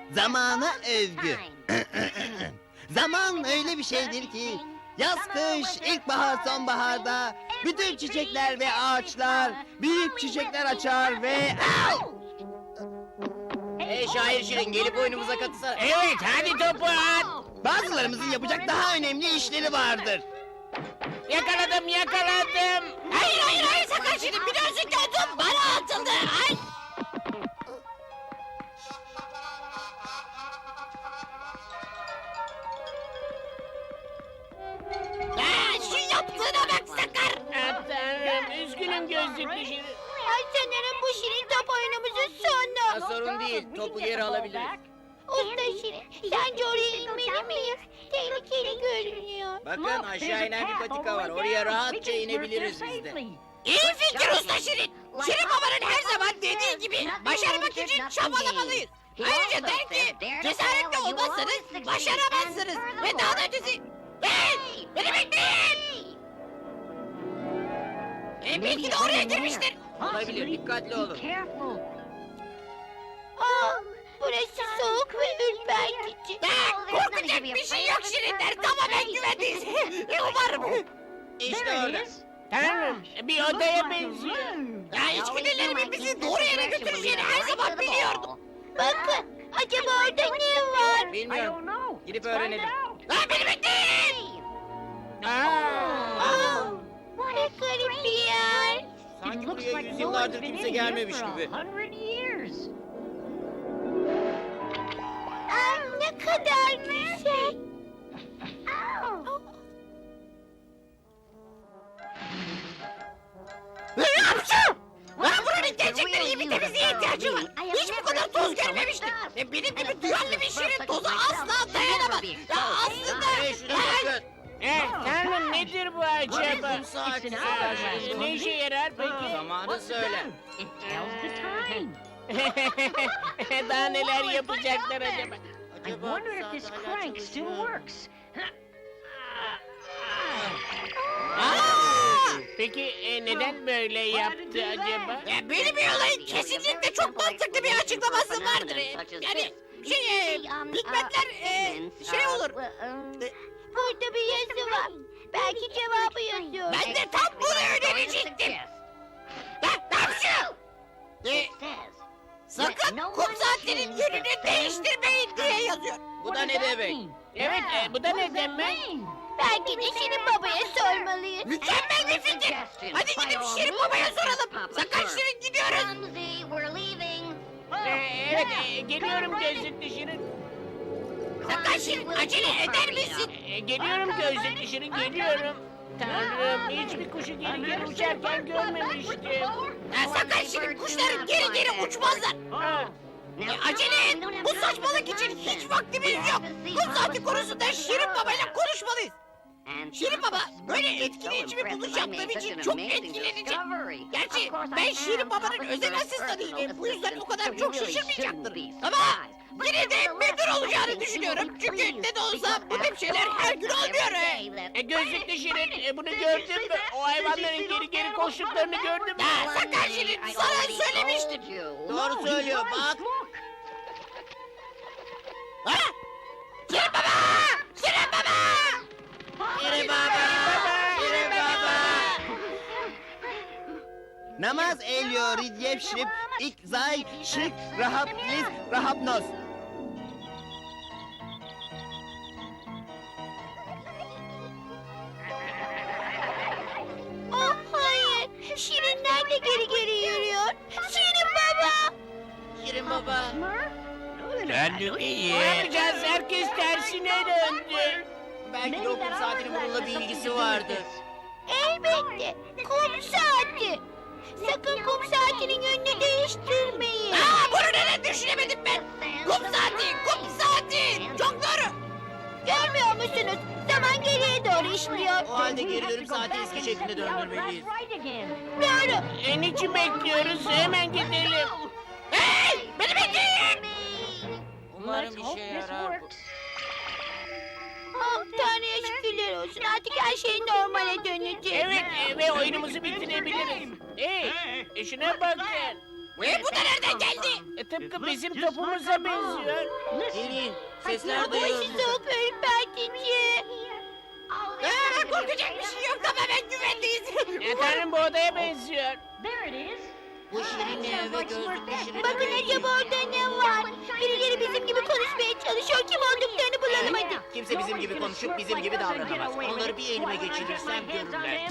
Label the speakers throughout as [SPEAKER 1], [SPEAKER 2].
[SPEAKER 1] Zamana övgü. Zaman öyle bir şeydir ki yaz, kış, ilkbahar, sonbaharda bütün çiçekler ve ağaçlar büyük çiçekler açar ve...
[SPEAKER 2] Hey şair Şirin, gelip oyunumuza katılsana.
[SPEAKER 3] Evet, hadi topu at.
[SPEAKER 1] Bazılarımızın yapacak daha önemli işleri vardır.
[SPEAKER 3] Yakaladım.
[SPEAKER 2] Hayır, sakın Şirin, biliyorsun ki o top bana atıldı. Ay! Şu yaptığına bak Sakar!
[SPEAKER 3] Ah, Tanrım, üzgünüm gözlüklü Şirin.
[SPEAKER 4] Sanırım bu şirin top oyunumuzun sonu.
[SPEAKER 2] Sorun değil, topu geri alabiliriz.
[SPEAKER 4] Usta Şirin, sence oraya inmeli miyiz? Tehlikeli görünüyor.
[SPEAKER 2] Bakın aşağı inen bir patika var, oraya rahatça inebiliriz biz de. İyi fikir Usta Şirin! Şirin babanın her zaman dediği gibi başarmak için çabalamalıyız. Ayrıca der ki cesaretli olmazsanız başaramazsınız. Ve daha da ötesi... Hey! Beni bekleyin! Belki de oraya girmiştir. Olabilir, dikkatli olun.
[SPEAKER 4] Burası soğuk ve ürpertici.
[SPEAKER 2] Korkacak bir şey yok Şirinler, tamamen güvendeyiz. Umarım. İşte orada.
[SPEAKER 3] Tanrım, bir odaya benziyor.
[SPEAKER 2] İçgüdülerimin bizi doğru yere götüreceğini her zaman biliyordum.
[SPEAKER 4] Bakın, acaba orada ne var?
[SPEAKER 2] Bilmiyorum. Gidip öğrenelim. Beni bekleyin!
[SPEAKER 4] Ne garip bir yer.
[SPEAKER 2] Sanki buraya yüzyıllardır kimse gelmemiş gibi.
[SPEAKER 4] Ne kadar güzel.
[SPEAKER 2] Buranın gerçekten iyi bir temizliğe ihtiyacı var. Hiç bu kadar toz görmemiştim. Benim gibi duyarlı bir şirin toza asla dayanamaz. Aslında...
[SPEAKER 3] Tanrım, nedir bu acaba?
[SPEAKER 2] Kum saati.
[SPEAKER 3] Ne işe yarar peki?
[SPEAKER 2] Zamanı söyle.
[SPEAKER 3] Daha neler yapacaklar acaba?
[SPEAKER 2] Acaba
[SPEAKER 3] Peki neden böyle yaptı acaba?
[SPEAKER 2] Benim bir olayın kesinlikle çok mantıklı bir açıklaması vardır. Yani hikmetler şey olur.
[SPEAKER 4] Burada bir yazı var. Belki cevabı yazıyor.
[SPEAKER 2] Ben de tam bunu önerecektim. Tamşı! Sakın kum saatinin yönünü değiştirmeyin diye yazıyor. Bu da ne demek?
[SPEAKER 3] Evet, bu da ne demek?
[SPEAKER 4] Belki de Şirin Baba'ya sormalıyız.
[SPEAKER 2] Mükemmel bir fikir. Hadi gidip Şirin Baba'ya soralım. Sakın Şirin gidiyoruz.
[SPEAKER 3] Evet, geliyorum gözlüklü Şirin.
[SPEAKER 2] Sakın Şirin acele eder misin?
[SPEAKER 3] Geliyorum gözlüklü Şirin, geliyorum. Tanrım, hiçbir kuşu geri geri uçarken görmemiştim.
[SPEAKER 2] Sakın Şirin kuşların geri geri uçmazlar. Acele et. Bu saçmalık için hiç vaktimiz yok. Kum saati konusunda Şirin Baba'yla konuşmalıyız. Şirin Baba böyle etkileyici bir buluş yaptığım için çok etkilenecek. Gerçi ben Şirin Baba'nın özel asistanıyım. Bu yüzden o kadar çok şaşırmayacaktır. Ama yine de memnun olacağını düşünüyorum. Çünkü ne de olsa bu tip şeyler her gün olmuyor.
[SPEAKER 3] Gözlüklü Şirin, bunu gördün mü? O hayvanların geri geri koştuklarını gördün mü?
[SPEAKER 2] Sakın Şirin sana söylemiştim. Doğru söylüyor bak. Ha? Şirin Baba! Şirin Baba! Şirin Baba! Şirin Baba!
[SPEAKER 1] Namaz elyo ridyep şrip ik zay şık rahap lis rahapnos.
[SPEAKER 4] Oh hayır. Şirinler de geri geri yürüyor. Şirin Baba.
[SPEAKER 2] Şirin Baba!
[SPEAKER 3] Ne yapacağız? Herkes tersine döndü.
[SPEAKER 2] Belki de o kum saatinin bununla bir ilgisi vardır.
[SPEAKER 4] Elbette. Kum saati. Sakın kum saatinin yönünü değiştirmeyin.
[SPEAKER 2] Bunu neden düşünemedim ben? Kum saati! Kum saati! Çok doğru!
[SPEAKER 4] Görmüyor musunuz? Zaman geriye doğru işliyor.
[SPEAKER 2] O halde geri dönüp saati eski şekline döndürmeliyiz.
[SPEAKER 4] Doğru.
[SPEAKER 3] Niçin bekliyoruz? Hemen gidelim.
[SPEAKER 2] Hey! Beni bekleyin! Umarım işe yarar bu.
[SPEAKER 4] Oh Tanrı'ya şükürler olsun. Artık her şey normale dönecek.
[SPEAKER 3] Evet, ve oyunumuzu bitirebiliriz. Hey, şuna bakın.
[SPEAKER 2] Bu da nereden geldi?
[SPEAKER 3] Tıpkı bizim topumuza benziyor.
[SPEAKER 1] Gelin, sesler
[SPEAKER 4] Bu
[SPEAKER 1] duyuyorum.
[SPEAKER 4] işi soğuk ürpertici.
[SPEAKER 2] Korkacak bir şey yok, tamamen güvendeyiz.
[SPEAKER 3] Tanrım bu odaya benziyor.
[SPEAKER 1] Bu şirinle ve gözlüklü şirinle
[SPEAKER 4] Bakın acaba orada ne var? Birileri bizim gibi konuşmaya çalışıyor. Kim olduklarını bulalım hadi.
[SPEAKER 1] Kimse bizim gibi konuşup bizim gibi davranamaz. Onları bir elime geçirirsem görürler.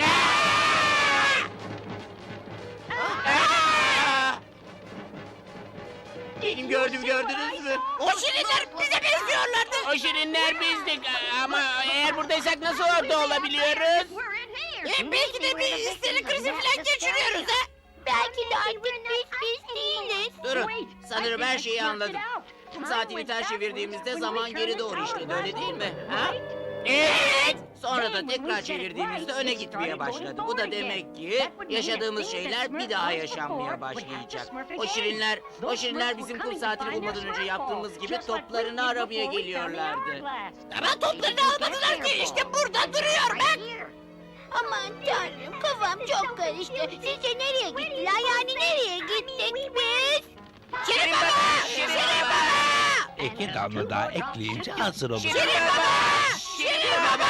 [SPEAKER 1] Benim gördünüz mü?
[SPEAKER 2] O şirinler bize benziyorlardı.
[SPEAKER 3] O şirinler bizdik ama eğer buradaysak nasıl orada olabiliyoruz?
[SPEAKER 2] Belki de bir histerik krizi falan geçiriyoruz ha.
[SPEAKER 4] Belki de artık biz değiliz.
[SPEAKER 1] Durun, sanırım her şeyi anladım. Kum saatini ters çevirdiğimizde zaman geri doğru işledi, öyle değil mi? Ha?
[SPEAKER 3] Evet.
[SPEAKER 1] Sonra da tekrar çevirdiğimizde öne gitmeye başladı. Bu da demek ki yaşadığımız şeyler bir daha yaşanmaya başlayacak. O şirinler bizim kum saatini bulmadan önce yaptığımız gibi toplarını aramaya geliyorlardı.
[SPEAKER 2] Ama toplarını almadılar ki, işte burada duruyor bak.
[SPEAKER 4] Aman tanrım kafam çok karıştı. Sizce nereye gittiler? Yani nereye gittik biz?
[SPEAKER 2] Şirin baba! Şirin baba!
[SPEAKER 5] 2 damla daha ekleyince hazır olur.
[SPEAKER 2] Şirin baba! Şirin baba!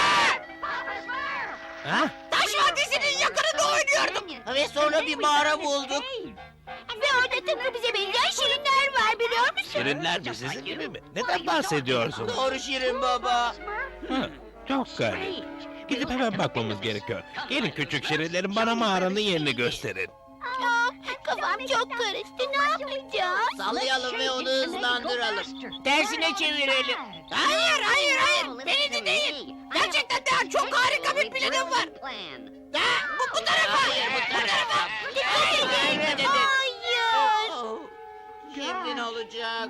[SPEAKER 5] Ha?
[SPEAKER 2] Taş Vadisi'nin yakınında oynuyordum.
[SPEAKER 1] Ve sonra bir mağara bulduk.
[SPEAKER 4] Ve orada tıpkı bize benzeyen şirinler var biliyor musun?
[SPEAKER 5] Şirinler de sizin gibi mi? Neden bahsediyorsun?
[SPEAKER 1] Doğru Şirin baba.
[SPEAKER 5] Hı, çok garip. Gidip hemen bakmamız gerekiyor. Gelin küçük şirinlerin bana mağaranın yerini gösterin.
[SPEAKER 4] Kafam çok karıştı. Ne yapacağız?
[SPEAKER 1] Sallayalım ve onu hızlandıralım.
[SPEAKER 3] Tersine çevirelim.
[SPEAKER 2] Hayır. Beni dinleyin. Gerçekten daha çok harika bir planım var. Bu tarafa.
[SPEAKER 1] Hayır, bu tarafa.
[SPEAKER 2] Dikkat edin.
[SPEAKER 4] Hayır.
[SPEAKER 1] Oh, şimdi ne olacak?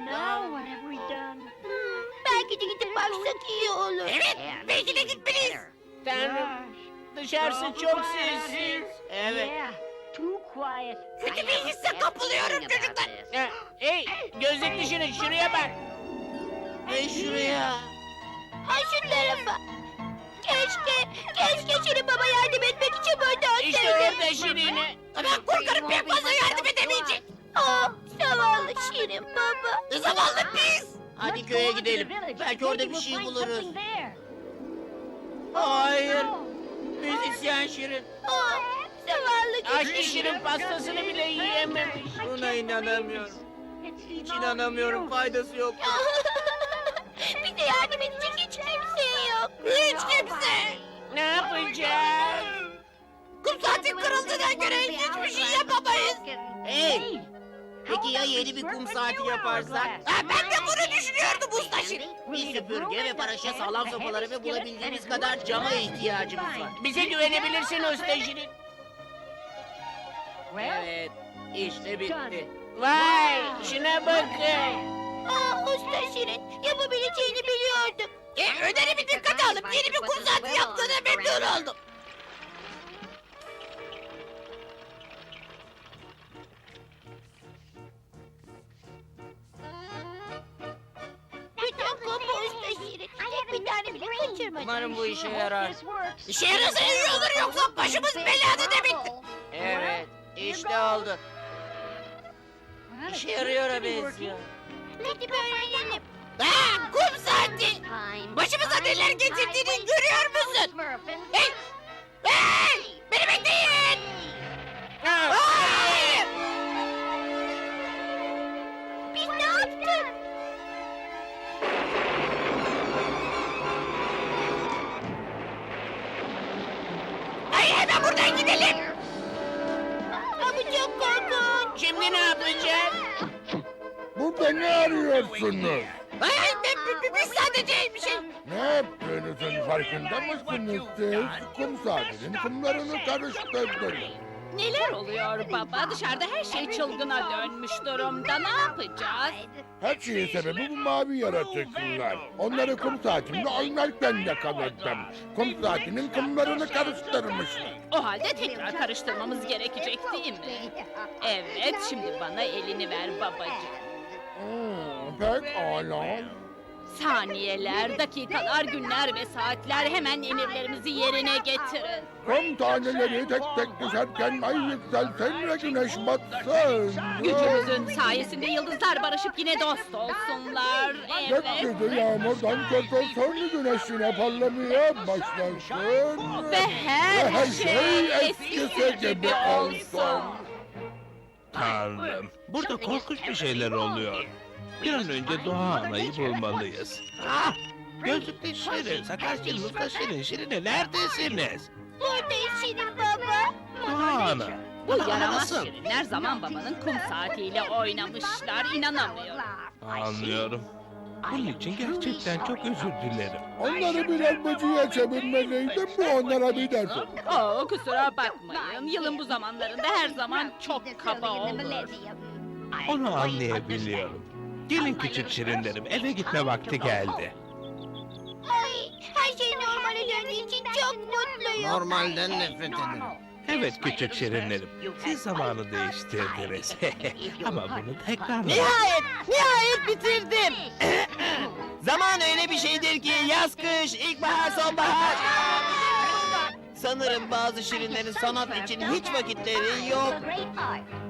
[SPEAKER 4] Belki de gidip baksak iyi olur.
[SPEAKER 2] Evet, belki de gitmeliyiz.
[SPEAKER 3] Tanrım dışarısı çok sessiz.
[SPEAKER 1] Evet.
[SPEAKER 2] Kötü bir hisse kapılıyorum çocuklar.
[SPEAKER 3] Hey gözlük dışını şuraya bak.
[SPEAKER 1] Ve şuraya.
[SPEAKER 4] Ha şu tarafa. Keşke Şirin Baba yardım etmek için burada
[SPEAKER 3] İşte
[SPEAKER 4] olsaydı.
[SPEAKER 3] orada Şirin'e.
[SPEAKER 2] Ama korkarım pek fazla yardım edemeyecek.
[SPEAKER 4] Zavallı Şirin Baba.
[SPEAKER 2] Zavallı biz.
[SPEAKER 1] Hadi köye gidelim. Belki orada bir şey buluruz. Hayır. Müzisyen Şirin.
[SPEAKER 4] Zavallı
[SPEAKER 3] Aşkı Şirin pastasını bile yiyememiş.
[SPEAKER 1] Buna inanamıyorum. Hiç inanamıyorum. Faydası yok.
[SPEAKER 4] Bize yardım edecek hiç kimse yok.
[SPEAKER 2] Hiç kimse.
[SPEAKER 3] Ne yapacağız?
[SPEAKER 2] Kum saati kırıldığına göre hiçbir şey yapamayız.
[SPEAKER 1] Hey! Peki ya yeni bir kum saati yaparsak?
[SPEAKER 2] Ben de bunu düşünüyordum usta Şirin.
[SPEAKER 1] Bir süpürge ve paraşa sağlam sopaları ve bulabildiğimiz kadar cama ihtiyacımız var.
[SPEAKER 3] Bize güvenebilirsin usta Şirin.
[SPEAKER 1] Evet, işte bitti.
[SPEAKER 3] Vay şuna bakın.
[SPEAKER 4] Usta Şirin yapabileceğini biliyordum.
[SPEAKER 2] Önerimi dikkate alıp yeni bir kum saati yaptığına memnun oldum.
[SPEAKER 4] Bütün kum bu Usta Şirin. Tek bir tane bile kaçırmadım.
[SPEAKER 1] Umarım bu işe yarar.
[SPEAKER 2] İşe yarasa iyi olur yoksa başımız belada demektir.
[SPEAKER 1] Evet, işte oldu. İşe yarıyor benziyor.
[SPEAKER 4] Hadi öğrenelim.
[SPEAKER 2] Kum saati. Başımıza neler getirdiğini görüyor musun? Hey! Hey! Beni bekleyin! Hayır!
[SPEAKER 4] Biz ne yaptık?
[SPEAKER 2] Hayır hemen buradan gidelim!
[SPEAKER 4] Bu çok korkunç.
[SPEAKER 3] Şimdi ne yapacağız?
[SPEAKER 6] Burada ne arıyorsunuz?
[SPEAKER 2] Hayır biz sadece bir şey...
[SPEAKER 6] Ne yaptığınızın farkında mısınız siz? Kum saatinin kumlarını karıştırdınız.
[SPEAKER 7] Neler oluyor baba? Dışarıda her şey çılgına dönmüş durumda. Ne yapacağız?
[SPEAKER 6] Her şeyin sebebi bu mavi yaratıklar. Onları kum saatimle oynarken yakaladım. Kum saatinin kumlarını karıştırmışlar.
[SPEAKER 7] O halde tekrar karıştırmamız gerekecek değil mi? Evet, şimdi bana elini ver babacığım.
[SPEAKER 6] Pekala.
[SPEAKER 7] Saniyeler, dakikalar, günler ve saatler hemen emirlerimizi yerine getirin.
[SPEAKER 6] Kum taneleri tek tek düşerken ay yükselsin ve güneş batsın.
[SPEAKER 7] Gücümüzün sayesinde yıldızlar barışıp yine dost olsunlar. Evet.
[SPEAKER 6] Gökyüzü yağmurdan kurtulsun, güneş yine parlamaya başlasın.
[SPEAKER 7] Ve her
[SPEAKER 6] Her
[SPEAKER 7] şey
[SPEAKER 6] şey
[SPEAKER 7] eskisi gibi olsun.
[SPEAKER 5] Tanrım, burada korkunç bir şeyler oluyor. Bir an önce Doğa Ana'yı bulmalıyız. Ah! Gözlüklü Şirin, Sakar Şirin, Usta Şirin, Şirin'e neredesiniz?
[SPEAKER 4] Buradayız Şirin baba.
[SPEAKER 5] Doğa Ana.
[SPEAKER 7] Bu
[SPEAKER 5] Ana
[SPEAKER 7] yaramaz
[SPEAKER 5] nasıl?
[SPEAKER 7] şirinler zaman babanın kum saatiyle oynamışlar. İnanamıyorum.
[SPEAKER 5] Anlıyorum. Bunun için gerçekten çok özür dilerim.
[SPEAKER 6] Onları bir elmacıya çevirmeliydim, bu onlara bir ders oldu.
[SPEAKER 7] Kusura bakmayın. Yılın bu zamanlarında her zaman çok kaba olur.
[SPEAKER 5] Onu anlayabiliyorum. Gelin küçük şirinlerim, eve gitme vakti geldi.
[SPEAKER 4] Ay, her şey normale döndüğü için çok mutluyum.
[SPEAKER 1] Normalden nefret ederim.
[SPEAKER 5] Evet küçük şirinlerim, siz zamanı değiştirdiniz. Ama bunu tekrar...
[SPEAKER 1] Nihayet bitirdim. Zaman öyle bir şeydir ki yaz, kış, ilkbahar, sonbahar. Sanırım bazı şirinlerin sanat için hiç vakitleri yok.